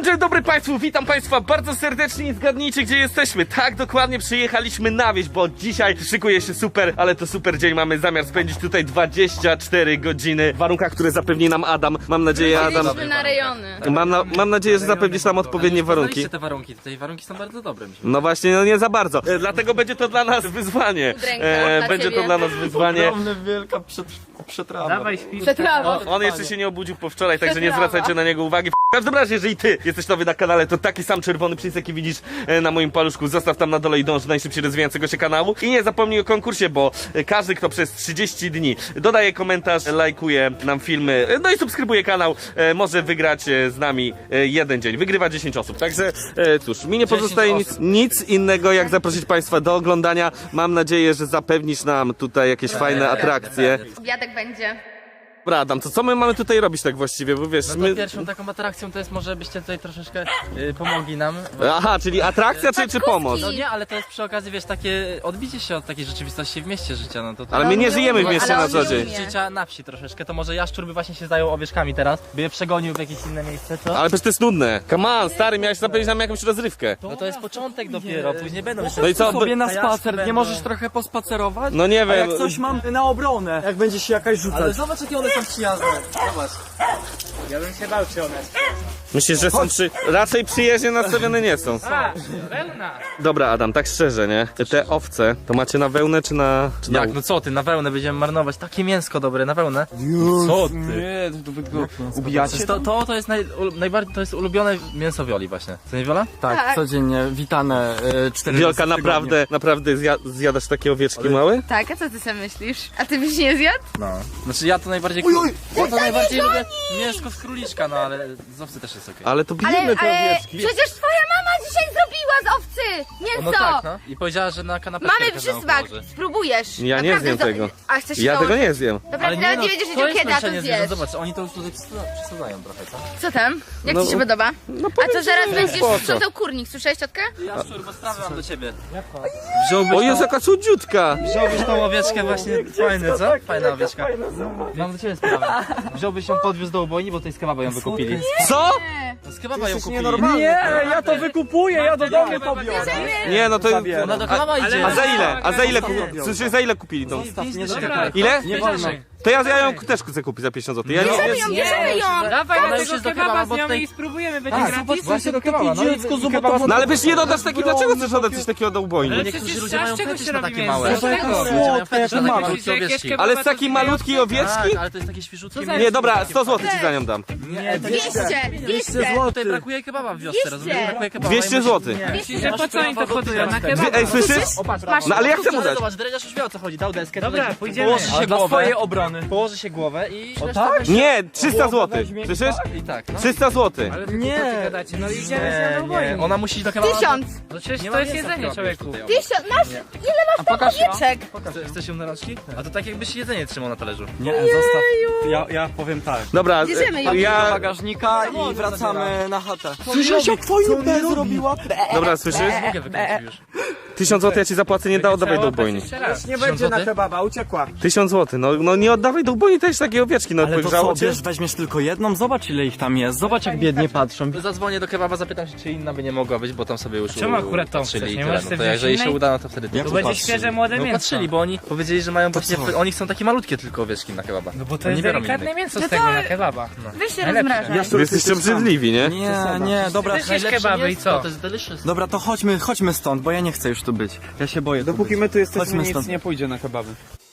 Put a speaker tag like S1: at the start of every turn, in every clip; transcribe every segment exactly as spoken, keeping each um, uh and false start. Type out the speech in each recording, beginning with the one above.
S1: Dzień dobry Państwu, witam Państwa bardzo serdecznie i zgadnijcie, gdzie jesteśmy. Tak, dokładnie przyjechaliśmy na wieś, bo dzisiaj szykuje się super, ale to super dzień. Mamy zamiar spędzić tutaj dwadzieścia cztery godziny w warunkach, które zapewni nam Adam. Mam nadzieję, Adam...
S2: na rejony.
S1: Mam, na, mam nadzieję, że zapewnisz nam odpowiednie warunki.
S3: te warunki, tutaj warunki są bardzo dobre. Mi się
S1: No właśnie, no nie za bardzo. E, dlatego będzie to dla nas wyzwanie. E, będzie to dla nas wyzwanie.
S3: ogromna, wielka przed, przetrawa.
S4: Dawaj śpi.
S2: Przetrawa.
S1: On jeszcze się nie obudził po wczoraj, także nie zwracajcie na niego uwagi. W każdym razie, jeżeli ty jesteś nowy na kanale, to taki sam czerwony przycisk, jaki widzisz e, na moim paluszku, zostaw tam na dole i dąż do najszybciej rozwijającego się kanału. I nie zapomnij o konkursie, bo e, każdy, kto przez trzydzieści dni dodaje komentarz, lajkuje nam filmy, e, no i subskrybuje kanał, e, może wygrać e, z nami e, jeden dzień. Wygrywa dziesięć osób. Także e, cóż, mi nie pozostaje nic, nic innego, jak zaprosić Państwa do oglądania. Mam nadzieję, że zapewnisz nam tutaj jakieś fajne atrakcje.
S2: Obiadek będzie.
S1: Dobra, Adam, to co my mamy tutaj robić tak właściwie, bo wiesz,
S3: No to
S1: my...
S3: pierwszą taką atrakcją to jest może byście tutaj troszeczkę y, pomogli nam.
S1: Aha, czyli atrakcja czy, czy pomoc?
S3: No nie, ale to jest przy okazji, wiesz, takie odbicie się od takiej rzeczywistości w mieście życia, no to... to
S1: Ale my nie żyjemy w mieście
S2: Ale
S1: na co
S2: on
S1: dzień.
S2: nie
S3: życia na wsi troszeczkę, to może Jaszczur by właśnie się zajął owieczkami teraz, by je przegonił w jakieś inne miejsce, co?
S1: Ale przecież to jest nudne. Come on, stary, miałeś zapewnić nam jakąś rozrywkę.
S3: No to jest początek dopiero, później będą jeszcze...
S1: No i co?
S5: sobie na
S3: A ja
S5: spacer,
S3: będę-
S5: nie możesz trochę pospacerować?
S1: No nie
S5: A jak
S1: wiem.
S5: coś mam na obronę, jak będzie się jakaś rzucać.
S3: Ale zobacz, jakie one są przyjazne, zobacz.
S4: Ja bym się bał czy one.
S1: Myślisz, że są przy... Raczej przyjaźnie nastawione nie są.
S4: A, wełna.
S1: Dobra, Adam, tak szczerze, nie? Te owce, to macie na wełnę czy na... Czy na...
S3: Jak, no co ty, na wełnę będziemy marnować, takie mięsko dobre, na wełnę.
S1: Co ty?
S5: Nie, to wy go ubijacie?
S3: To, to, to jest naj, ul, najbardziej, to jest ulubione mięso Wioli właśnie. Co nie Wiola?
S5: Tak,
S2: Tak.
S5: codziennie, witane y, cztery
S1: Wiolka,
S5: razy w tygodniu.
S1: naprawdę, naprawdę zja zjadasz takie owieczki małe?
S2: Tak, a co ty sobie myślisz? A ty byś nie zjadł?
S3: No. Znaczy ja to najbardziej... Uj, uj, ja to najbardziej lubię mięsko z króliczka, no ale z owcy też jest okej.
S1: Ale to
S2: Ale,
S1: bijemy te
S2: ale
S1: owieczki.
S2: przecież twoja mama dzisiaj zrobiła z owcy mięso!
S3: No tak, no. I powiedziała, że na kanapeczkę
S2: Mamy
S3: każdemu
S2: przysmak,
S3: położy.
S2: spróbujesz.
S1: Ja nie
S2: Naprawdę
S1: zjem
S2: zo-
S1: tego.
S2: A chcesz się
S1: Ja tego
S2: założyć?
S1: nie zjem.
S2: Dobra, ty nawet nie wiedziesz,
S3: no, to
S2: że
S3: jest
S2: kiedy, a to
S3: męczenie zwierząt,
S2: zjesz.
S3: zobacz, oni to już tutaj przesa- przesadzają trochę, co?
S2: Co tam? Jak
S1: No,
S2: ci się podoba?
S1: No
S2: A
S1: powiem
S2: to
S1: ci,
S2: zaraz
S1: że
S2: będziesz
S1: spoko.
S2: sprzątał kurnik, słyszałeś ciotkę?
S3: Jaszczur, bo sprawę mam do ciebie.
S1: O Jezu, jaka cudziutka!
S3: Wziąłbyś tą owieczkę właśnie, fajne, co? Fajna owieczka. Mam do ciebie sprawę. Wziąłbyś ją, podwiózł do ubojni, bo tutaj z kebaba ją wykupili.
S1: Co?
S3: Z kebaba ją kupili.
S5: Nie, ja to wykupuję, ja do domu to biorę.
S1: Nie, no to...
S3: Ona do kebaba idzie.
S1: A za ile? A za ile kupili? Słyszysz, za ile kupili tą?
S5: Nie do
S4: Dobra,
S1: Ile?
S5: Nie wolno.
S1: To ja, ja ją też chcę kupić za pięćdziesiąt złotych. Ja nie,
S2: Bierzemy
S1: nie...
S2: ją, bierzemy ją!
S4: Dawaj
S3: Ona
S4: na
S3: już
S4: tego
S3: jest do
S4: kebaba
S3: kebaba,
S4: z
S3: bo
S4: nią
S3: tutaj-
S4: i spróbujemy, będzie
S3: Tak,
S4: gratis.
S3: zobacz, właśnie do kebaba. No,
S5: dziecko,
S3: i-
S5: zobacz,
S3: kebaba-
S5: to-
S1: No ale przecież nie dodasz takiego, dlaczego chcesz oddać coś takiego do ubojni?
S4: Ale
S3: Niektórzy
S4: przecież
S3: ludzie
S4: z
S3: mają
S4: czego
S3: fetysz
S4: się
S3: na
S4: robi
S3: takie
S4: mięso?
S3: małe.
S4: Z czego?
S3: Niektórzy ludzie mają fetysz na takie
S5: Słodkie,
S3: malutkie
S4: Myślisz, że jakieś
S3: owieczki.
S4: kebaba
S1: Ale z
S4: to
S1: takiej
S4: sobie
S1: malutkiej
S4: owce?
S1: owieczki?
S3: Tak, ale to jest takie świeżutkie
S4: Co za-
S3: mięso.
S1: Nie, dobra, sto złotych ci za nią dam.
S3: Nie, to jest...
S2: dwieście! dwieście!
S3: Tutaj brakuje kebaba w wiosce, rozumiesz? Brakuje kebaba.
S1: dwieście złotych.
S4: Myślisz, że po co oni to chodzą? Na
S1: Dwie,
S4: kebaba?
S1: ej, słyszysz?
S2: Masz
S1: No ale ja chcę mu
S3: Ale
S1: dać.
S3: zobacz, dredziarz już wie o co chodzi, dał deskę.
S4: Dobra,
S3: tutaj
S4: pójdziemy.
S3: Położy się
S5: A dla
S3: głowę,
S5: swojej obrony.
S3: położy się głowę i...
S5: O
S3: reszta
S5: tak?
S3: będzie-
S1: Nie, trzysta złotych. Słyszysz?
S3: I tak, no.
S1: trzysta złotych.
S4: Ale wy
S5: Nie.
S4: głupoty gadacie, no idziemy z nią do
S3: Nie, nie,
S4: wojny.
S3: ona musi iść do kebaba.
S2: Tysiąc!
S4: No przecież
S3: Nie
S4: to
S3: ma
S4: jest
S3: mięsa w
S4: jedzenie,
S3: kebabie
S4: człowieku.
S3: tutaj.
S2: Tysiąc! Masz! Ile masz tam owieczek?
S3: Chcesz- Chcesz ją na rączki? A to tak jakbyś jedzenie trzymał na talerzu.
S5: Nie, zostaw. Ja, ja powiem tak.
S1: Dobra,
S2: Bierzemy ją.
S5: Do
S1: ja...
S5: bagażnika i wracamy na chatę. Słyszysz jak twoją B zrobiła?
S1: Dobra, słyszysz?
S3: Mogę wykręcić już.
S1: Tysiąc złotych ja ci zapłacę, nie da, oddawaj do ubojni.
S4: Jeszcze raz.
S5: Nie
S3: będzie na
S5: kebaba, uciekła.
S1: Tysiąc złotych, no, no nie oddawaj do ubojni też takiej owieczki, no
S5: Ale to
S1: wygrzało
S5: co,
S1: cię.
S5: wiesz, weźmiesz tylko jedną? Zobacz ile ich tam jest, zobacz jak biednie patrzą.
S3: Zadzwonię do kebaba, zapytam się, czy inna by nie mogła być, bo tam sobie już
S4: Czemu akurat tą
S3: patrzyli
S4: chcesz?
S3: i
S4: Nie
S3: tyle.
S4: możesz
S3: No
S4: sobie
S3: to
S4: wziąć
S3: jeżeli się
S4: innej?
S3: uda, no to wtedy
S5: Jak
S4: To
S5: to
S4: będzie
S5: patrzyli?
S4: świeże, młode
S3: No
S4: mięso.
S3: patrzyli, bo oni powiedzieli, że mają właśnie,
S5: co?
S3: oni chcą takie malutkie tylko owieczki na kebaba.
S4: No bo to
S3: Oni
S4: jest
S3: biorą
S4: delikatne
S3: innych.
S4: mięso z tego na kebaba.
S2: Weź się
S4: Najlepsze.
S2: rozmrażaj.
S1: Wy jesteście obrzydliwi, nie?
S5: Nie, nie, dobra.
S4: Też jest kebaby i co?
S3: To jest delicious.
S5: Dobra, to chodźmy, chodźmy stąd, bo ja nie chcę już tu być. Ja się boję.
S6: Dopóki my tu jesteśmy,
S5: Chodźmy
S6: nic
S5: stąd.
S6: nie pójdzie na kebaby.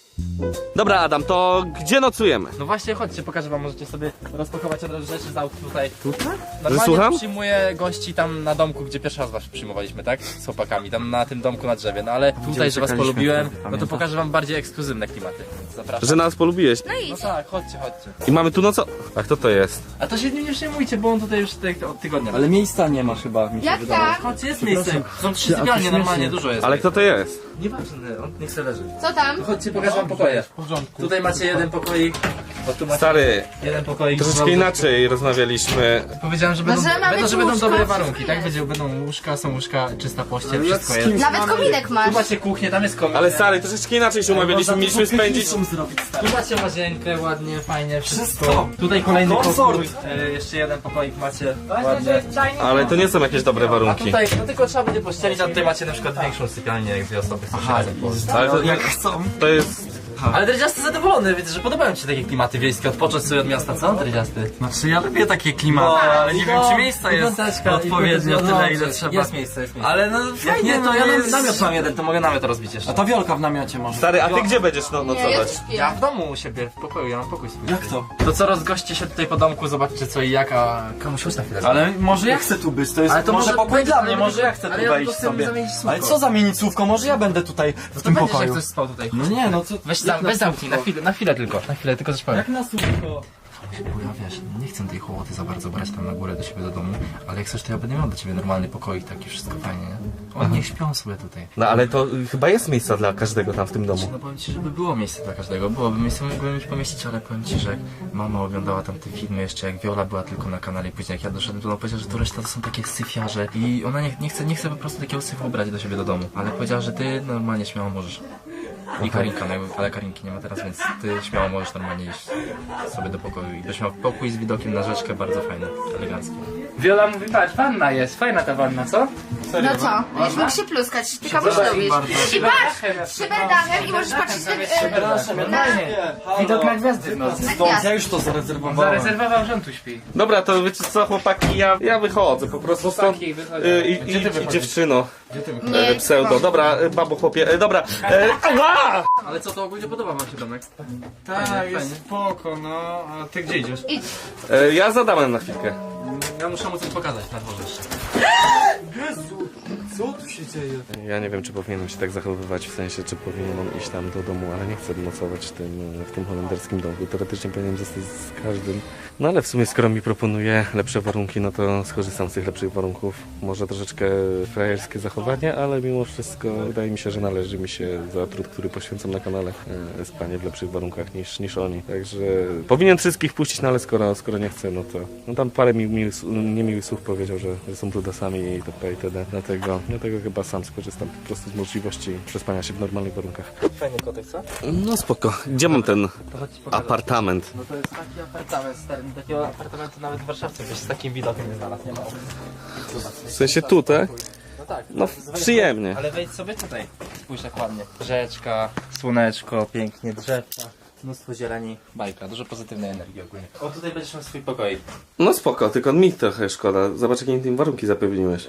S1: Dobra, Adam, to gdzie nocujemy?
S3: No właśnie, chodźcie, pokażę wam, możecie sobie rozpakować od razu rzeczy z aut tutaj.
S1: Tutaj?
S3: Normalnie
S1: słucham?
S3: przyjmuję gości tam na domku, gdzie pierwszy raz was przyjmowaliśmy, tak? Z chłopakami, tam na tym domku na drzewie. No ale tutaj, że was
S5: uciekaliśmy,
S3: polubiłem, no to
S5: pamiętasz?
S3: pokażę wam bardziej ekskluzywne klimaty. Więc zapraszam.
S1: Że nas polubiłeś.
S2: No
S3: No
S2: idź.
S3: tak, chodźcie, chodźcie.
S1: I mamy tu noco... A kto to jest?
S3: A to się nim nie przejmujcie, bo on tutaj już tutaj od tygodnia.
S5: Ale miejsca nie ma chyba, mi się
S2: Jak
S5: wydaje.
S2: tak?
S3: Chodźcie, jest miejsce. Są trzy
S5: a to
S3: sypialnie,
S5: śmiesznie.
S3: normalnie, dużo jest.
S1: Ale kto to jest?
S3: Nieważne, on niech se leży.
S2: Co tam?
S3: Chodźcie, pokażę wam pokoje. W porządku. Tutaj macie jeden pokoik, Bo tu macie
S1: Stary,
S3: jeden pokoik.
S1: troszeczkę
S3: dwa-
S1: inaczej rozmawialiśmy.
S3: Powiedziałem, że będą,
S2: że mamy
S3: będą, że
S2: tu
S3: będą
S2: łóżko,
S3: dobre
S2: wszystko
S3: warunki, tak?
S2: jest.
S3: Będzie, będą łóżka, są łóżka, czysta pościel, wszystko jest.
S2: Nawet kominek
S3: Tu
S2: masz.
S3: macie kuchnię, tam jest komin.
S1: Ale stary, troszeczkę inaczej się umawialiśmy, mieliśmy spędzić...
S3: Tu macie łazienkę, ładnie, fajnie, wszystko.
S5: Wszystko.
S3: Tutaj kolejny
S5: Komfort.
S3: pokój. E, jeszcze jeden pokoik macie, ładnie.
S1: Ale to nie są jakieś dobre
S3: A
S1: warunki.
S3: tutaj, no tylko trzeba będzie pościelić, a tutaj macie na przykład większą sypialnię, jak dwie osoby chcą się razem położyć.
S1: Ale to,
S5: Jak chcą.
S1: to jest...
S3: Ale Dredziasty zadowolony, widzę, że podobają ci się takie klimaty wiejskie, odpocząć sobie od miasta, co Dredziasty?
S5: Znaczy ja lubię takie klimaty, ale nie wiem czy miejsca jest
S3: Piąteczka,
S5: odpowiednio
S3: i-
S5: tyle ile
S3: jest
S5: trzeba.
S3: Jest miejsce, jest miejsce.
S5: Ale no
S3: Jak
S5: fajnie,
S3: nie, to ja
S5: no
S3: nam,
S5: jest...
S3: namiot mam jeden, to mogę namiot rozbić jeszcze.
S5: A to Wiolka w namiocie może.
S1: Stary, a ty gdzie będziesz no,
S2: Nie, ja
S1: nocować?
S2: tu śpię.
S3: Ja w domu u siebie, w pokoju, ja mam pokój swój.
S5: Jak to?
S3: To co, rozgoście się tutaj po domku, zobaczcie co i jak, a komuś chodź na chwilę.
S5: Ale może ja chcę tu być, to jest
S3: Ale to
S5: może
S3: może
S5: pokój
S3: będzie-
S5: dla mnie,
S3: ale
S5: może
S3: tylko-
S5: ja chcę
S3: ale
S5: tu
S3: ja
S5: wejść
S3: tylko chcę
S5: sobie.
S3: zamienić słówko.
S5: Ale co zamienić słówko? Może ja będę tutaj w
S3: to
S5: tym
S3: będziesz
S5: pokoju.
S3: jak ktoś spał tutaj.
S5: No nie, no co...
S3: Weź, za, weź zamknij, na chwilę, na chwilę tylko, na chwilę, tylko coś powiem.
S5: Jak na słówko?
S3: Bo ja wiesz, nie chcę tej hołoty za bardzo brać tam na górę do siebie do domu, ale jak chcesz to ja będę miał do ciebie normalny pokoik, taki wszystko fajnie, nie? Oni niech śpią sobie tutaj.
S1: No ale to y, chyba jest miejsca dla każdego tam w tym domu.
S3: No powiem ci, żeby było miejsce dla każdego, byłoby miejsce, mógłbym już pomieścić, ale powiem ci, że jak mama oglądała tam te filmy jeszcze, jak Viola była tylko na kanale i później jak ja doszedłem, to ona powiedziała, że to reszta to są takie syfiarze i ona nie, nie, chce, nie chce po prostu takiego syfu brać do siebie do domu, ale powiedziała, że ty normalnie śmiało możesz. I Karinka, no, ale Karinki nie ma teraz, więc ty śmiało możesz normalnie iść sobie do pokoju i byś miał pokój z widokiem na rzeczkę, bardzo fajny, elegancki.
S4: Wiola mówi, patrz, wanna jest, fajna ta wanna, co?
S2: No co? Będziesz mógł się pluskać, ty kamuś dowiesz. I patrz, szyberdachem i możesz patrzeć tak, e, na,
S4: Widok na gwiazdy w nocy.
S2: na
S5: Stąd ja
S2: gwiazd.
S5: już to zarezerwowałem.
S4: Zarezerwował, że on tu śpi.
S1: Dobra, to wiecie co chłopaki, ja, ja wychodzę po prostu stąd.
S4: Chłopaki wychodzą.
S1: Y, i,
S4: Gdzie
S1: i,
S4: ty
S1: i
S4: wychodzisz?
S1: dziewczyno.
S2: Nie,
S1: E, pseudo, dobra, e, babo chłopie, e, dobra. E, ała!
S3: Ale co, to ogólnie podoba wam się domek?
S5: Tak, jest spoko, no. A ty gdzie idziesz?
S2: idź.
S1: E, ja za Adamem na chwilkę.
S3: Ja muszę mu coś pokazać na dworze jeszcze.
S5: Co tu się dzieje?
S1: Ja nie wiem, czy powinienem się tak zachowywać, w sensie, czy powinienem iść tam do domu, ale nie chcę nocować w tym, w tym holenderskim domku. Teoretycznie powinienem zostać z każdym. No ale w sumie, skoro mi proponuje lepsze warunki, no to skorzystam z tych lepszych warunków. Może troszeczkę frajerskie zachowanie, ale mimo wszystko wydaje mi się, że należy mi się za trud, który poświęcam na kanale, e, spanie w lepszych warunkach niż, niż oni. Także powinien wszystkich puścić, no ale skoro, skoro nie chcę, no to... No tam parę mi, mi, niemiłych słów powiedział, że, że są brudasami i itp. itd. Dlatego, dlatego chyba sam skorzystam po prostu z możliwości przespania się w normalnych warunkach.
S3: Fajny kotek, co?
S1: No spoko. Gdzie mam ten
S3: To chodź ci pokażę.
S1: apartament?
S3: No to jest taki apartament stary, takiego apartamentu nawet w Warszawce byś z takim widokiem nie znalazł, nie ma.
S1: W sensie tutaj?
S3: No tak.
S1: No przyjemnie.
S3: Ale wejdź sobie tutaj, spójrz jak ładnie. Rzeczka, słoneczko, pięknie, drzewka, mnóstwo zieleni, bajka, dużo pozytywnej energii ogólnie. O, tutaj będziesz miał swój pokoik.
S1: No spoko, tylko mi trochę szkoda. Zobacz, jakie im warunki zapewniłeś.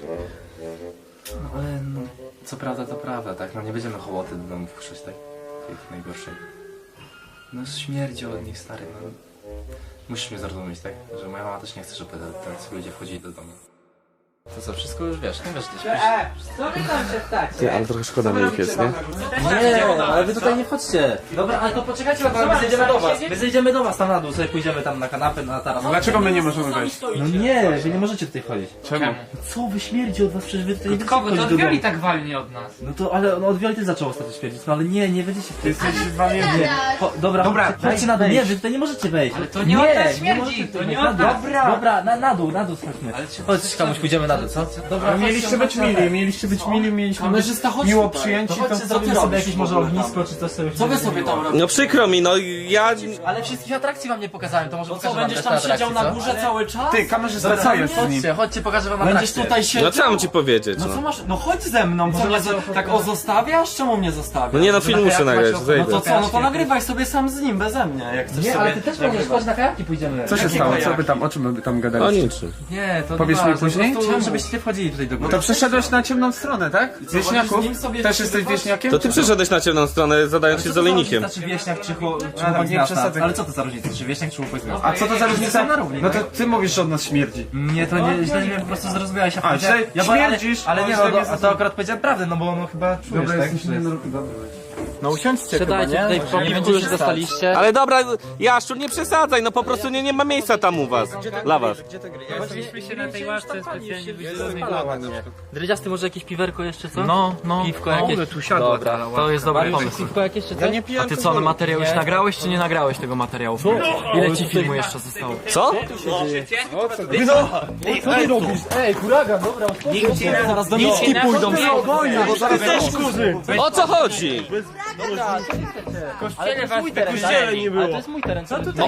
S3: No ale no, co prawda to prawda, tak? No nie będziemy hołoty do domu wpuszczać, tak? Tych najgorszej. No śmierdzi od nich, stary, no. Musisz mnie zrozumieć, tak? Że moja mama też nie chce, żeby tacy ludzie wchodzili do domu. To co, wszystko już wiesz, nie wiesz, gdzie śpisz?
S4: Co wy tam się tak?
S1: Ty, ale trochę szkoda mi ich jest, nie?
S3: Nie, ale wy tutaj nie wchodźcie. Dobra, ale to poczekajcie, bo my zejdziemy do was. My zejdziemy do was tam na dół, sobie pójdziemy tam na kanapę, na taras.
S5: Dlaczego my nie możemy wejść?
S3: No nie, wy nie możecie tutaj wchodzić.
S5: Czemu?
S3: Co, wy śmierdzi od was, przecież wy tutaj nie
S4: Od
S3: będziecie
S4: kogo? To
S3: wchodzić
S4: od
S3: do
S4: Wioli
S3: domu.
S4: tak walnie od nas.
S3: No to, ale no, od Wioli ty zaczął ostatnio śmierdzić, no ale nie, nie będziecie tutaj.
S5: Jesteś wami...
S3: Nie, Cho, dobra,
S5: Dobra,
S3: chodźcie, chodźcie na dół, nie, wy tutaj nie możecie wejść.
S4: Ale to nie od nas śmierdzi,
S3: możecie
S4: to
S3: tutaj
S4: nie
S3: wejść.
S4: od
S3: Na
S4: nas.
S3: dół. Dobra, na, na dół, na dół schodźmy. Chodź, komuś pójdziemy na dół, co? Dobra,
S5: Mieliście być mili, mieliście być mili, mieliśmy być
S3: Kamerzysta, chodź
S5: miło
S3: tutaj.
S5: przyjęci,
S3: To
S5: to
S3: chodźcie,
S5: co ty
S3: zrobimy sobie
S5: robisz
S3: jakieś
S5: w
S3: może
S5: ogóle
S3: ognisko, czy coś sobie.
S5: Co wy sobie tam robicie?
S1: No przykro mi, no ja...
S3: Ale wszystkich atrakcji wam nie pokazałem, to może
S5: Co,
S3: pokażę wam
S5: będziesz
S3: resztę
S5: tam
S3: atrakcji,
S5: siedział na
S3: co?
S5: górze cały czas? Ty, kamerzysta, co jest z nim?
S3: Chodźcie, chodźcie, pokażę wam
S5: Będziesz
S3: atrakcję.
S5: tutaj siedział?
S1: No co mam ci powiedzieć,
S5: No co
S1: no?
S5: masz? No chodź ze mną, co mnie za... tak o zostawiasz? Czemu mnie zostawiasz?
S1: No nie no, film muszę nagrać,
S5: No
S1: zejdę.
S5: to co, no to nagrywaj sobie sam z nim, beze mnie, jak chcesz
S3: Nie,
S5: sobie
S3: ale ty też możesz, chodź na kajaki pójdziemy.
S6: Co się
S5: Jakiego
S6: stało? Co
S5: jaki?
S6: wy tam, o czym wy tam
S1: O
S6: gadaliście?
S1: niczym.
S3: Nie, to
S6: Powiesz
S3: nie
S6: mi
S3: ważne,
S6: później?
S3: po prostu,
S6: Czemu?
S3: żebyście nie wchodzili tutaj do góry.
S6: To przeszedłeś na ciemną stronę, tak? Z wieśniaków?
S5: z nim sobie
S6: Też jesteś
S5: przebywać?
S6: wieśniakiem?
S1: To ty przeszedłeś na ciemną stronę, zadając się z olejnikiem.
S3: Czy wieśniak, czy chło- czy
S6: A,
S3: chłopak z
S6: nie
S3: miasta?
S6: przesadzaj.
S3: Ale co to za różnica, czy wieśniak, czy chłopak z miasta?
S6: A co to za różnica?
S3: na równi,
S6: No to
S3: tak?
S6: ty mówisz, że od nas śmierdzi.
S3: Nie, to nie, źle mnie po prostu zrozumiałeś. Ja
S6: A,
S3: powiedziałem-
S6: źle
S3: ja bo- ale-
S6: śmierdzisz,
S3: Ale
S6: ale
S3: nie,
S6: źle
S3: no,
S6: mnie
S3: to, a to
S6: zrozumiałeś.
S3: akurat powiedziałem prawdę, no bo no chyba czujesz,
S6: Dobra,
S3: tak?
S6: jesteś
S3: że jest-
S6: nie... Dobra.
S5: No usiądźcie chyba,
S4: Siadajcie
S5: nie?
S4: tutaj po
S5: Nie
S4: piwku
S5: będziecie
S4: już
S5: stać.
S4: dostaliście.
S1: Ale dobra, Jaszczur, nie przesadzaj, no po prostu nie, nie ma miejsca tam u was. Dla was.
S4: Chodziliśmy się na tej ławce specjalnie wydzielonej. Dredziasty, może jakieś piwerko jeszcze, co?
S5: No, no.
S4: Piwko jakieś.
S5: tu siadła.
S4: Dobra, to jest dobry pomysł. Piwko jakieś czy coś?
S5: A ty co, no materiał już nagrałeś, czy nie nagrałeś tego materiału? Ile ci filmu jeszcze zostało?
S1: Co?
S5: Zaraz do miski pójdą,
S4: spokojnie,
S5: bo zaraz
S1: O co chodzi?
S4: Ale to jest mój teren, tak? nie było. Ale to jest mój teren, co tutaj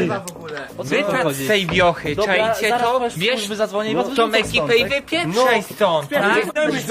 S7: Wypad z tej wiochy, czajcie to? Wiesz,
S4: zadzwonię i was
S7: tą ekipę i wypieprzaj stąd, tak?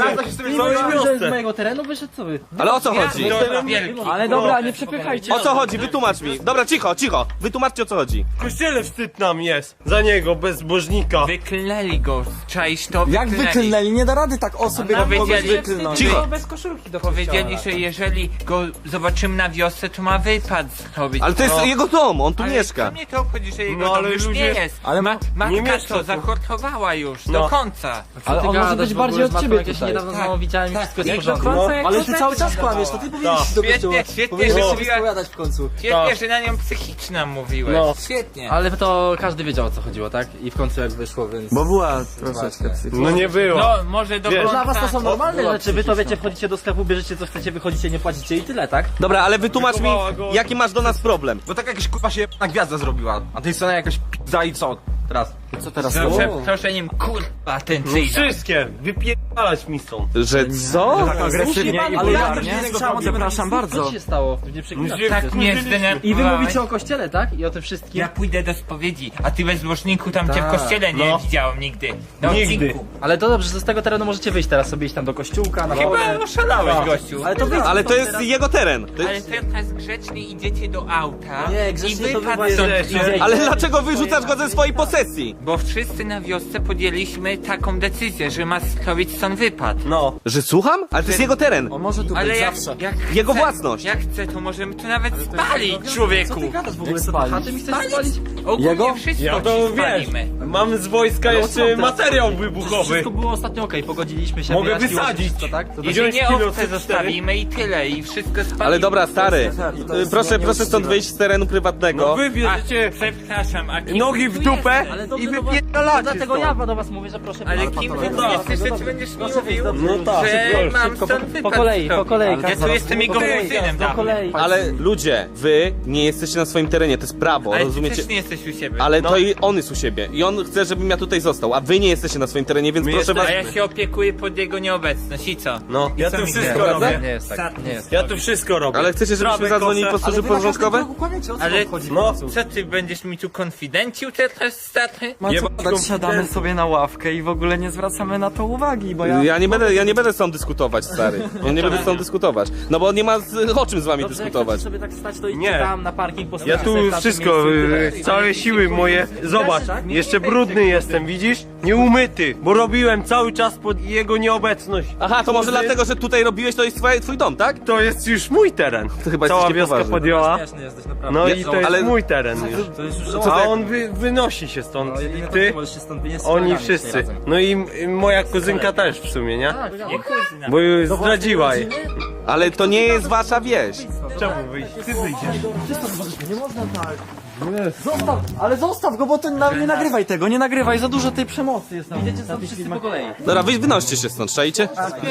S4: że z mojego terenu wyszedł, co wy?
S1: Ale o co chodzi?
S7: Wielki.
S4: Ale dobra, nie przepychajcie.
S1: O co chodzi? Wytłumacz mi. Dobra, cicho, cicho. Wytłumaczcie o co chodzi.
S8: W kościele wstyd nam jest za niego, bezbożnika.
S7: Wyklnęli go, czaisz to?
S5: Jak wyklnęli? Nie da rady tak o sobie kogoś
S7: Powiedzieli-
S5: wyklnąć.
S1: Cicho.
S4: Bez koszulki do
S7: Powiedzieli, że jeżeli go zobaczymy na wiosce, to ma wypad zrobić.
S1: Ale to jest
S7: No.
S1: jego dom, on tu
S7: Ale
S1: mieszka.
S7: co mnie to obchodzi, że jego
S8: No,
S7: dom
S8: ale
S7: już
S8: ludzie-
S7: nie jest.
S5: Ale
S7: Ma,
S8: nie
S7: matka
S8: mieszka
S7: to
S8: tu.
S7: zahortowała już,
S8: No.
S7: do końca.
S4: Ale on może być bardziej od ciebie tutaj. Niedawno
S7: Tak,
S4: znowu widziałem i wszystko jest w
S7: Jak
S4: porządku.
S7: do końca,
S8: No.
S7: jak
S5: Ale
S7: to
S5: ty
S7: tak
S5: cały czas
S7: wyglądało.
S5: kłamiesz, to ty powinieneś do
S7: Świetnie,
S5: kościoła.
S7: świetnie,
S5: Powinieneś
S7: że
S5: się
S7: mówiła-
S5: spowiadać w końcu.
S7: Świetnie, że na nią psychiczna mówiłeś.
S8: No.
S7: Świetnie.
S4: Ale to każdy wiedział o co chodziło, tak? I w końcu jak wyszło, więc...
S5: Bo była troszeczkę psychiczna.
S8: No nie było.
S7: No, może do
S8: Wiesz,
S7: końca.
S4: Dla was to są normalne rzeczy, wy to wiecie, wchodzicie do sklepu, bierzecie co chcecie, wychodzicie, nie płacicie i tyle, tak?
S1: Dobra, ale wytłumacz mi, jaki masz do nas problem.
S9: Bo tak jakaś kurwa się na gwiazda zrobiła, a tej strony jakaś p***a i co teraz?
S5: Co teraz?
S7: Z przeproszeniem, kurwa, ten
S8: No
S7: cyjda.
S8: wszystkie, wypierdalać mi stąd.
S1: Że co?
S5: Agresywnie i
S4: Ale ja
S5: vulgarnie. Przepraszam
S4: Co
S5: bardzo.
S4: się stało? Nie przeklinać.
S7: Tak mnie zdenerwowałeś.
S4: I wy mówicie o kościele, tak? I o tym wszystkim.
S7: Ja pójdę do spowiedzi, a ty bezbożniku tam cię w
S4: Tak,
S7: kościele nie
S8: no.
S7: widziałem nigdy. Na
S8: Nigdy.
S7: odcinku.
S4: Ale to dobrze, że z tego terenu możecie wyjść teraz sobie iść tam do kościółka, na wodę.
S7: Chyba oszalałeś, gościu.
S4: Ale to wyjdź.
S1: Ale to jest jego teren. To
S7: Ale
S1: jest...
S7: teraz grzecznie idziecie do auta
S4: Nie,
S7: i
S4: grzecznie to
S7: wypad
S4: wy
S7: stąd
S4: jesteście.
S7: idziecie.
S1: Ale dlaczego wyrzucasz go ze swojej posesji?
S7: Bo wszyscy na wiosce podjęliśmy taką decyzję, że ma zrobić stąd wypad.
S8: No.
S1: Że słucham? Ale to jest jego teren.
S5: On może tu
S7: Ale
S5: być
S7: jak,
S5: zawsze.
S7: jak
S1: Jego
S7: chce,
S1: własność.
S7: Jak chce, to możemy tu nawet spalić, człowieku.
S4: W ogóle co do chaty mi chcesz spalić?
S7: Ogólnie
S5: Jego?
S7: wszystko
S8: Ja
S7: ci
S8: to wiesz,
S7: spalimy.
S8: mam z wojska jeszcze materiał wybuchowy.
S4: Wszystko było ostatnio okej, pogodziliśmy się.
S8: Mogę
S4: wyjaśniło się
S8: wysadzić.
S4: wszystko, tak? To
S7: I
S8: Wziąć
S7: nie
S8: kilo
S7: owce
S8: C cztery.
S7: zostawimy i tyle, i wszystko spalimy.
S1: Ale dobra, stary. y, Proszę, proszę stąd wyjść z terenu
S8: No
S1: prywatnego.
S8: wy
S7: A,
S8: bierzecie
S7: przepraszam, a kim
S8: nogi
S7: ty
S8: w
S7: tu
S8: dupę
S7: jesteś?
S4: Ale
S8: i
S4: dobrze do was,
S8: wypierdalacie
S4: dlatego
S8: stąd.
S4: ja do was mówię, że proszę
S7: Ale
S4: wyjść.
S7: kim ty
S8: No
S7: tu
S8: tak,
S7: jesteś, że ty będziesz
S4: Proszę wyjść,
S7: mówił,
S4: dobrze.
S8: No tak,
S7: że
S8: proszę.
S7: mam
S4: Szybko,
S7: stąd
S4: po,
S7: wypad
S4: po kolei, po kolei.
S7: Ja tu jestem jego kuzynem
S4: Po
S7: dawnym.
S4: kolei.
S1: Ale ludzie, wy nie jesteście na swoim terenie, to jest prawo,
S7: Ale ty
S1: rozumiecie?
S7: też nie jesteś u siebie.
S1: Ale
S8: No.
S1: to i on jest u siebie. I on chce, żebym ja tutaj został, a wy nie jesteście na swoim terenie, więc
S8: My
S1: proszę was.
S7: A ja się opiekuję pod jego nieobecność i co?
S8: No, ja
S7: co
S8: tu
S7: mi
S8: wszystko
S7: gada?
S8: robię.
S4: Nie jest tak, nie jest.
S8: Ja tu wszystko robię.
S1: Ale chcecie, żebyśmy
S8: Trawę
S1: zadzwonili po
S8: kosę.
S1: służby porządkowe?
S7: Ale
S8: No,
S7: co ty będziesz mi tu konfidencił teraz, stary?
S5: Ma co
S8: Jebać
S5: dać,
S8: konfidencję.
S5: siadamy sobie na ławkę i w ogóle nie zwracamy na to uwagi, bo ja...
S1: Ja nie będę, ja nie będę z tą dyskutować, stary. Ja nie będę z tą dyskutować. No bo nie ma z, o czym z wami
S4: Dobrze, jak
S1: dyskutować.
S4: chcecie sobie tak stać, to idźcie
S8: Nie.
S4: tam na parking,
S8: ja
S4: postawcie
S8: tu
S4: sobie w tamtym
S8: wszystko,
S4: miejscu i
S8: y,
S4: tyle.
S8: całe siły moje. Zobacz, jeszcze brudny jestem, widzisz? Nieumyty, bo robiłem cały czas pod jego nieobecność.
S1: Aha, to może
S8: Kurde,
S1: dlatego, że tutaj robiłeś, to jest twoje, twój dom, tak?
S8: To jest już mój teren.
S1: To chyba
S8: Cała
S1: jesteście
S8: wioska
S1: poważni.
S8: podjęła.
S4: Śmieszny jesteś, naprawdę.
S8: No
S1: Nie,
S8: i to jest
S1: ale-
S8: mój teren już.
S4: To jest już
S1: Co
S8: A
S1: ty-
S8: on wy, wynosi się stąd.
S4: No, jedynie to
S8: Ty,
S4: ty możesz się stąd wynieść z
S8: oni
S4: kolegami
S8: wszyscy.
S4: razem.
S8: No i i moja kuzynka też w sumie, nie?
S4: Tak,
S7: Nie kuzyna.
S8: Bo już zdradziła jej.
S1: Ale to nie jest wasza wieś.
S8: Czemu wyjść? Ty wyjdziesz.
S5: Nie można tak. Zostaw, ale zostaw go, bo ty na, nie nagrywaj tego, nie nagrywaj, za dużo tej przemocy jest.
S4: Idziecie stąd wszyscy po kolei.
S1: Dobra, wy wynoście się stąd, czajcie?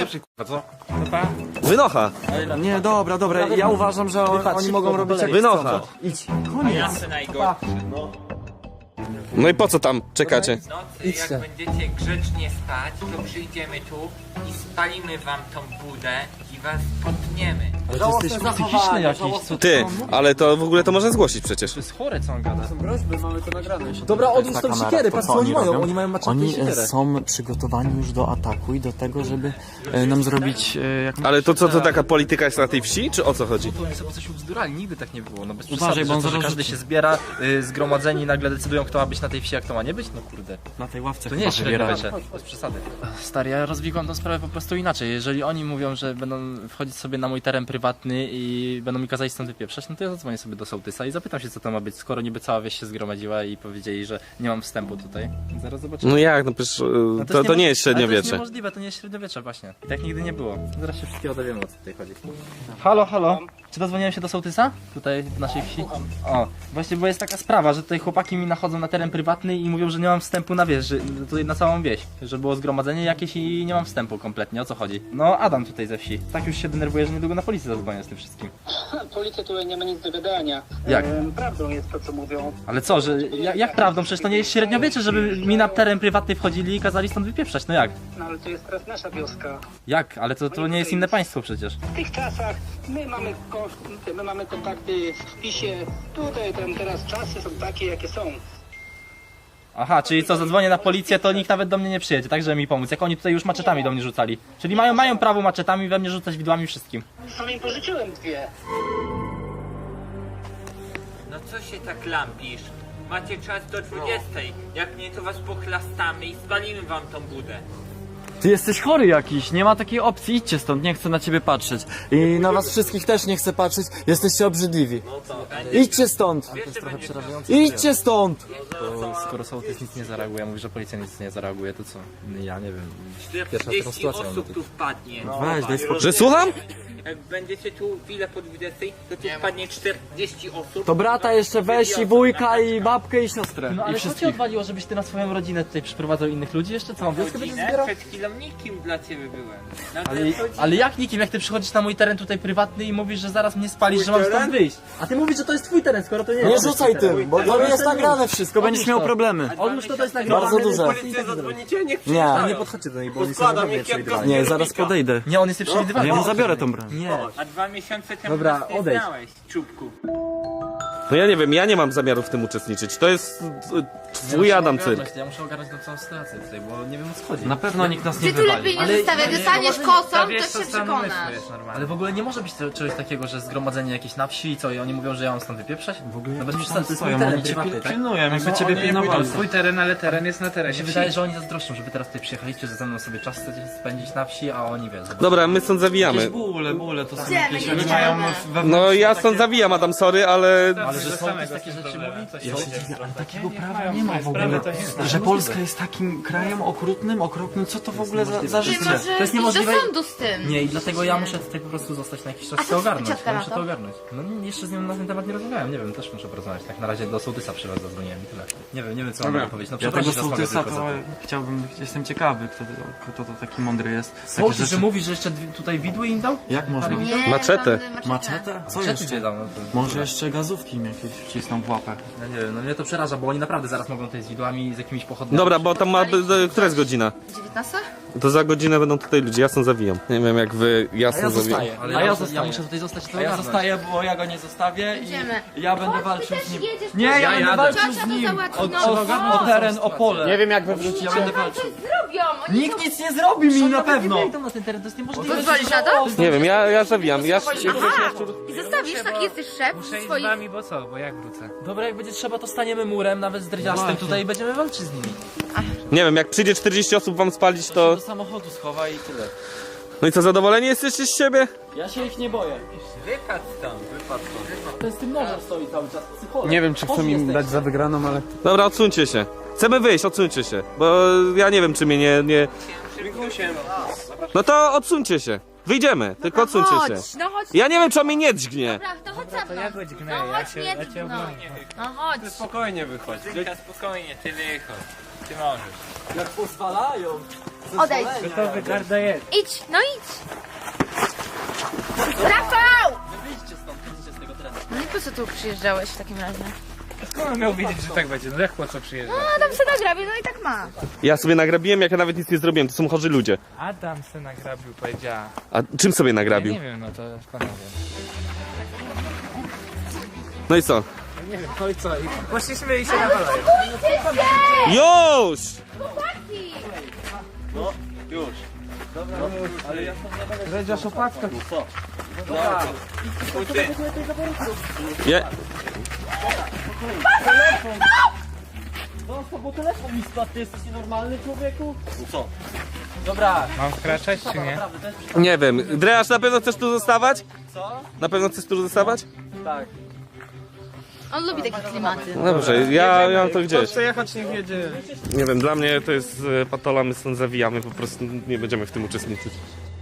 S1: Wynocha.
S5: Nie, dobra, dobra, ja uważam, że on, oni mogą robić jak
S1: Wynocha.
S5: Idź,
S7: Ja chcę najgorszy.
S1: No i po co tam czekacie?
S7: W nocy, jak będziecie grzecznie spać, to przyjdziemy tu i spalimy wam tą budę i was potniemy.
S4: Ale ty jesteś psychiczny jakiś, co
S1: Ty, ale to w ogóle to można zgłosić przecież.
S4: To jest chore, co on gada.
S5: Dobra, odłóż tą siekierę, patrz co oni mają, oni mają maczatę
S10: Oni
S5: i siekierę.
S10: e, są przygotowani już do ataku i do tego, żeby e, nam zrobić e, jak
S1: Ale to co, to taka polityka jest na tej wsi, czy o co chodzi?
S4: To oni sobie coś ubzdurali, nigdy tak nie było. No bez
S10: Uważaj,
S4: przesady,
S10: bo on
S4: że, to, że
S10: zaraz
S4: każdy
S10: rzuci.
S4: się zbiera, y, zgromadzeni nagle decydują, kto ma być na tej wsi, a kto ma nie być? No kurde.
S10: na tej ławce
S4: To nie
S10: chyba
S4: jest
S10: wybierali.
S4: średniowiecze, bez przesady. Stary, ja rozwikłam tą sprawę po prostu inaczej. Jeżeli oni mówią, że będą wchodzić sobie na mój teren prywatny i będą mi kazać stąd wypieprzać, no to ja zadzwonię sobie do sołtysa i zapytam się, co to ma być, skoro niby cała wieś się zgromadziła i powiedzieli, że nie mam wstępu tutaj. Zaraz zobaczymy.
S1: No jak, no przecież y,
S4: No
S1: to, to nie jest
S4: Ale to jest
S1: średniowiecze.
S4: niemożliwe, to nie jest średniowiecze właśnie. I tak nigdy nie było. Zaraz się wszystkiego dowiemy, o co tutaj chodzi.
S6: Halo, halo.
S4: Czy dodzwoniłem się do sołtysa? Tutaj w naszej wsi? O, właśnie, bo jest taka sprawa, że tutaj chłopaki mi nachodzą na teren prywatny i mówią, że nie mam wstępu na wieś, że tutaj na całą wieś. Że było zgromadzenie jakieś i nie mam wstępu kompletnie, o co chodzi? No, Adam tutaj ze wsi. Tak już się denerwuje, że niedługo na policję zadzwonię z tym wszystkim.
S11: Policja tutaj nie ma nic do gadania.
S4: Jak?
S11: Ehm, prawdą jest to, co mówią.
S4: Ale co, że jak, jak prawdą? Przecież to nie jest średniowiecze, żeby mi na teren prywatny wchodzili i kazali stąd wypieprzać, no jak?
S11: No ale to jest teraz nasza wioska.
S4: Jak? Ale to, to nie jest inne państwo przecież.
S11: W tych czasach my mamy, ko- my mamy kontakty w wpisie. Tutaj ten teraz czasy są takie, jakie są.
S4: Aha, czyli co, zadzwonię na policję, to nikt nawet do mnie nie przyjedzie, tak, żeby mi pomóc. Jak oni tutaj już maczetami do mnie rzucali. Czyli mają, mają prawo maczetami we mnie rzucać widłami wszystkim.
S11: Sam im pożyczyłem dwie.
S7: No co się tak lampisz? Macie czas do dwudziestej. Jak nie, to was pochlastamy i spalimy wam tą budę.
S5: Ty jesteś chory jakiś, nie ma takiej opcji, idźcie stąd, nie chcę na ciebie patrzeć. I na was wszystkich też nie chcę patrzeć, jesteście obrzydliwi. Idźcie stąd! Idźcie stąd!
S4: To skoro sołtys nic nie zareaguje, mówi, że policja nic nie zareaguje, to co? Ja nie wiem.
S7: czterdzieści osób tu wpadnie.
S5: Weź, daj spokój.
S1: Że słucham?
S7: Jak będziecie tu chwilę po dwudziestej, to tu wpadnie czterdzieści osób.
S5: To brata jeszcze weź i wujka i babkę i siostrę.
S4: No
S5: I
S4: ale co ci
S5: wszystkich.
S4: odwaliło, żebyś ty na swoją rodzinę tutaj przyprowadzał innych ludzi jeszcze? Co, mam wioskę będziesz
S7: Godzinę
S4: zbierał?
S7: przed chwilą nikim dla ciebie byłem. No to
S4: Ale,
S7: jest godzina.
S4: ale jak nikim, jak ty przychodzisz na mój teren tutaj prywatny i mówisz, że zaraz mnie spalisz, że mam stąd wyjść? A ty mówisz, że to jest twój teren, skoro to nie jest.
S5: Nie rzucaj tym, bo to jest nagrane wszystko, będziesz miał problemy.
S4: Odłóż to, to jest nagrane.
S5: Bardzo duże.
S8: Policję zadzwonicie, niech
S5: Nie,
S8: nie podchodźcie do niej, bo składam je kierowcą.
S5: nie, zaraz podejdę.
S4: Nie, on jest nieprzewidywalny.
S5: Ja mu zabiorę tą broń.
S4: Nie.
S7: A dwa miesiące temu
S4: Dobra,
S7: nas nie
S4: odejdź.
S7: znałeś, czubku.
S1: No ja nie wiem, ja nie mam zamiaru w tym uczestniczyć. To jest e, twój Adam cyrk.
S4: Ja muszę ogarnąć tą całą sytuację tutaj, bo nie wiem o co chodzi.
S5: Na pewno nikt nas nie
S2: Ty tu lepiej
S5: wywali.
S2: nie
S4: Ale-
S2: zostawiaj, dostaniesz kosą, to się przekonasz.
S4: Ale w ogóle nie może być to, czegoś takiego, że zgromadzenie jakieś na wsi i co, i oni mówią, że ja mam stąd wypieprzać? W ogóle no bez przesady, to jest mój teren prywatny, tak?
S5: Pilnuję, jakby ciebie pilnowali.
S6: Twój teren, ale teren jest na
S4: Mi
S6: terenie.
S4: się wydaje, że oni zazdroszczą, że wy teraz tutaj przyjechaliście, że ze mną sobie czas chcecie spędzić na wsi, a oni wiedzą.
S1: Dobra, my stąd zawijamy.
S5: Bóle, bóle, to są
S2: Idziemy,
S5: jakieś...
S2: idziemy.
S5: Oni mają
S1: No ja stąd zawijam, Adam, sorry, ale...
S4: Ale że są takie rzeczy mówi?
S5: Ja się dziwię, ale takiego prawa nie ma w ogóle. Że Polska jest takim krajem okrutnym, okropnym, co to w ogóle za, za
S2: Ty
S5: życie?
S2: możesz
S4: jest
S2: iść
S4: niemożliwe.
S2: do sądu z tym.
S4: Nie, i dlatego ja muszę tutaj po prostu zostać na jakiś czas
S2: A
S4: i
S2: co
S4: to ogarnąć.
S2: ciotka
S4: Ja
S2: na
S4: muszę
S2: to?
S4: to ogarnąć. No nie, jeszcze z nią na ten temat nie rozmawiałem, nie wiem, też muszę porozmawiać. Tak na razie do sołtysa przy was zadzwoniłem i tyle. Nie wiem, nie wiem co mam powiedzieć. No
S5: Ja tego
S4: przeprosić was mogę
S5: sołtysa
S4: tylko
S5: to
S4: za to.
S5: chciałbym, jestem ciekawy, kto, kto to taki mądry jest. Takie
S4: Sołtys, że
S5: rzeczy-
S4: mówisz, że jeszcze dwie- tutaj widły im dał?
S5: Jak można?
S2: Nie,
S1: Maczetę.
S2: tam,
S5: Maczetę? Co
S4: Maczetę
S5: jeszcze?
S4: gdzie dał? No to...
S5: Może jeszcze gazówki im jakieś wcisną w łapę.
S4: No nie wiem, no mnie to przeraża, bo oni naprawdę zaraz mogą tutaj z widłami, z jakimiś pochodniami.
S1: Dobra, bo tam ma... b- Która jest godzina?
S2: dziewiętnasta?
S1: To za godzinę będą tutaj ludzie, ja stąd zawijam. Nie wiem jak wy, ja stąd zawijam.
S4: Ale
S5: A
S4: ja,
S5: ja
S4: ja,
S5: zostaję.
S4: muszę tutaj zostać i to
S5: A ja
S4: ogarnąć.
S5: zostaję, bo ja go nie zostawię i
S2: Idziemy.
S5: ja będę
S2: Chodź,
S5: walczył
S2: ty
S5: z nim.
S2: też jedziesz,
S5: Nie, ja
S2: chodź.
S5: będę
S6: jadę.
S5: walczył
S2: Ciocia
S5: z
S2: to
S5: nim.
S2: załatwi,
S5: O,
S2: no.
S5: o, o teren, o pole.
S6: Nie wiem jak wy
S5: Ja
S6: wrócicie.
S5: będę walczył.
S2: Zrobią, oni
S5: Nikt nic nie zrobi mi na pewno.
S4: Nie wejdą na ten teren, to jest niemożliwe.
S2: Pozwolisz na to?
S1: Nie wiem, ja, ja zawijam. Ja,
S2: Aha, i zostawisz, taki jesteś szef
S6: Muszę iść z
S2: swoich...
S6: wami, bo co? Bo jak wrócę?
S4: Dobra, jak będzie trzeba, to staniemy murem, nawet z dredziastem
S5: Właśnie.
S4: tutaj i będziemy walczyć z nimi.
S1: nie wiem, jak przyjdzie czterdzieści osób wam spalić, to...
S5: Do samochodu schowa i tyle.
S1: No i co, zadowoleni jesteście z siebie?
S5: Ja się ich nie boję.
S7: Wypadł stąd, wypadł stąd.
S4: To jest tym nożem stoi cały czas, psycholog.
S6: Nie wiem czy chcą im dać za wygraną, ale...
S1: Dobra, odsuńcie się. Chcemy wyjść, odsuńcie się. Bo ja nie wiem, czy mnie nie... nie... No to odsuńcie się. Wyjdziemy, tylko odsuńcie się.
S2: Chodź, no chodź.
S1: Ja nie wiem, czy on mnie nie dźgnie.
S2: Dobra, to chodź za mną.
S6: Ja go dźgnę,
S2: No
S6: ja
S2: chodź,
S6: cię,
S2: nie
S6: ja cię
S2: dźgnął.
S6: obronię.
S2: No chodź.
S8: Spokojnie wychodź.
S7: Tylko spokojnie, ty wychodź. Ty możesz.
S5: Jak pozwalają.
S2: Odejdź.
S6: Gotowy, garda jest.
S2: Idź, no idź. Rafał!
S4: Wyjdźcie stąd, wyjdźcie z tego terenu.
S2: No i po co tu przyjeżdżałeś w takim razie?
S6: Skąd on miał wiedzieć, że tak będzie? No jak po co przyjeżdża?
S2: No tam se nagrabie, no i tak ma.
S1: Ja sobie nagrabiłem, jak ja nawet nic nie zrobiłem. To są chorzy ludzie.
S6: Adam se nagrabił, powiedziała.
S1: A czym sobie
S6: Ja
S1: nagrabił?
S6: nie wiem, no to skąd ja wiem.
S1: No i co?
S6: Nie wiem, no i co? I poszliśmy i się nawalają.
S1: Już!
S2: Chłopaki!
S6: Redziarz opatka.
S1: Je...
S5: Zostaw, bo telefon mi spadł, ty jesteś nienormalny, człowieku?
S4: Dobra.
S6: Mam wkraczać czy nie?
S1: Nie wiem. Dreasz, na pewno chcesz tu zostawać?
S5: Co?
S1: Na pewno chcesz tu zostawać?
S5: Tak.
S2: On lubi takie klimaty.
S1: Dobrze, ja, ja mam to gdzieś.
S6: Chce jechać, niech jedzie.
S1: Nie wiem, dla mnie to jest e, patola, my stąd zawijamy, po prostu nie będziemy w tym uczestniczyć.